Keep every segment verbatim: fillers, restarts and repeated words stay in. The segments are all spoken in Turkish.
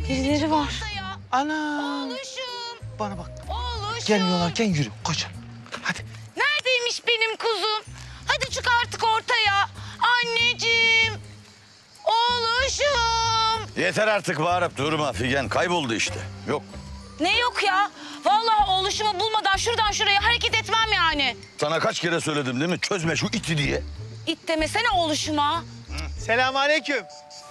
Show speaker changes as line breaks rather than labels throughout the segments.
Birileri var.
Ana.
Oğluşum.
Bana bak.
Oğluşum.
Gelmiyorlarken yürü. Koş. Hadi.
Neredeymiş benim kuzum? Hadi çık artık ortaya. Anneciğim. Oğluşum.
Yeter artık bağırıp durma Figen. Kayboldu işte. Yok.
Ne yok ya? Vallahi oğluşumu bulmadan şuradan şuraya hareket etmem yani.
Sana kaç kere söyledim değil mi? Çözme şu iti diye.
İt demesene oğluşuma.
Selamünaleyküm.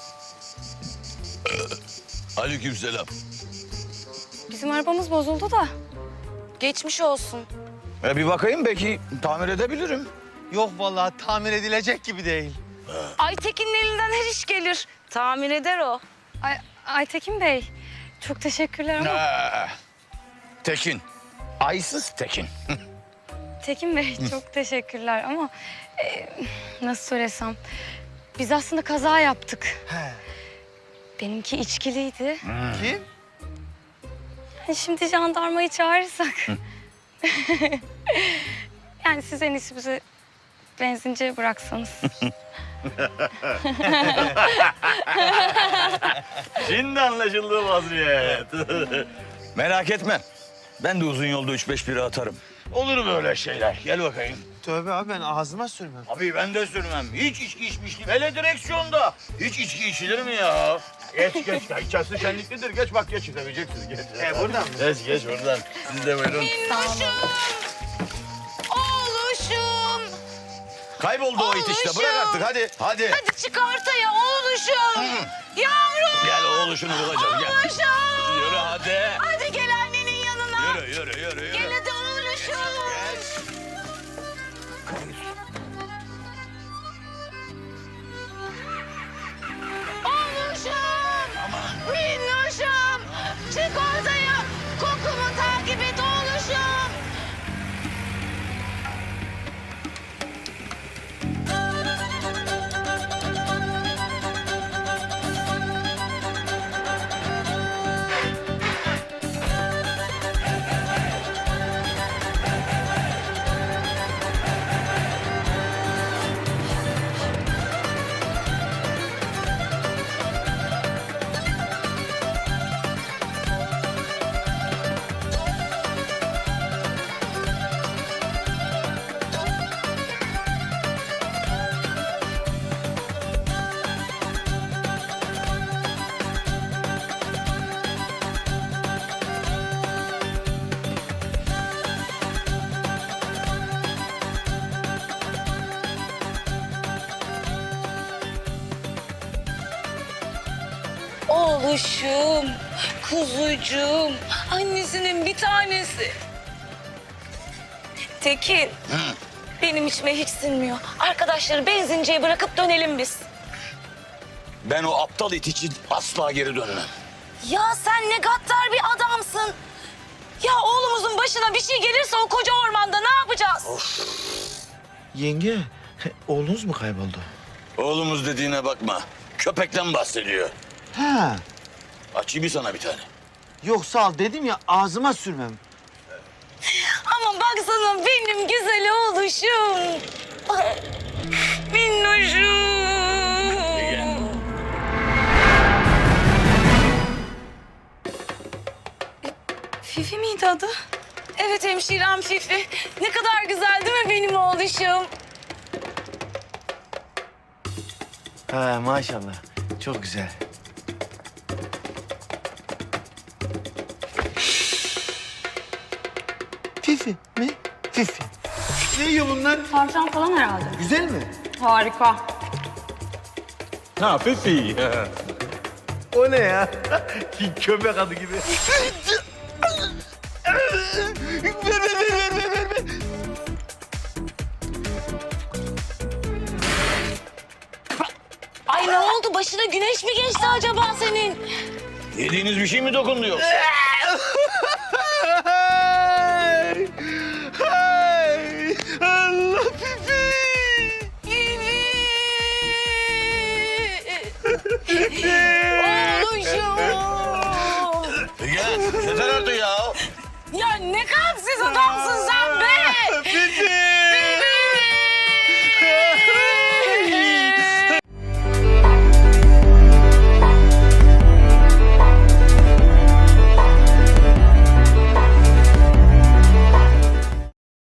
Aleykümselam.
Bizim arabamız bozuldu da. Geçmiş olsun.
E bir bakayım belki tamir edebilirim.
Yok vallahi tamir edilecek gibi değil.
Aytekin'in elinden her iş gelir. Tamir eder o.
Ay, Aytekin Bey, çok teşekkürler ama
Ee, Tekin. Aysız Tekin.
Tekin Bey çok teşekkürler ama e, nasıl söylesem biz aslında kaza yaptık.
He.
Benimki içkiliydi.
Kim?
Yani şimdi jandarmayı çağırırsak. Yani siz en iyisi bizi benzinciye bıraksanız.
Şimdi anlaşıldı vaziyet. Merak etme. Ben de uzun yolda üç beş bira atarım. Olur böyle şeyler. Gel bakayım.
Tövbe abi ben ağzıma sürmem.
Abi ben de sürmem. Hiç içki içmiştim. Hele direksiyonda. Hiç içki içilir mi ya? Geç geç. İçerisi şenliklidir. Geç bak geç. Seveceksiniz. Geç.
E buradan mı?
Geç geç buradan. Siz de buyurun.
Minnoşum. Oğluşum.
Kayboldu o it işte. Bırak artık hadi. Hadi.
Hadi çık ortaya oğluşum. Yavrum.
Gel oğluşunu bulacağız. Gel.
Oğluşum.
Yürü hadi.
Hadi gel annenin yanına.
Yürü yürü yürü. yürü.
Gel hadi oğluşum. Oğluşum. Minnoşum. Çık ortaya. Kokumu takip et oğluşum. Oğluşum, kuzucuğum, annesinin bir tanesi. Tekin, benim içime hiç sinmiyor. Arkadaşları benzinciye bırakıp dönelim biz.
Ben o aptal it için asla geri dönmem.
Ya sen ne gaddar bir adamsın. Ya oğlumuzun başına bir şey gelirse o koca ormanda ne yapacağız?
Yenge, oğlunuz mu kayboldu?
Oğlumuz dediğine bakma. Köpekten bahsediyor.
Ha.
Açayım mı sana bir tane?
Yok sağ ol dedim ya ağzıma sürmem.
Ama baksana benim güzel oğluşum. Ay, minnoşum.
Fifi miydi adı?
Evet hemşirem Fifi. Ne kadar güzel değil mi benim oğluşum?
Ha maşallah. Çok güzel. Fifi mi? Fifi. Ne yiyor bunlar?
Tavşan falan herhalde.
Güzel mi?
Harika.
Ha Fifi.
O ne ya? Köpek adı gibi. ver, ver, ver, ver, ver, ver.
Ay ne oldu? Başına güneş mi geçti acaba senin?
Yediğiniz bir şey mi dokundu yoksa?
Hay! Hay! Allah Fifi!
Oğluşum.
Figen yeter artık ya.
Ya ne kalpsiz adamsın sen.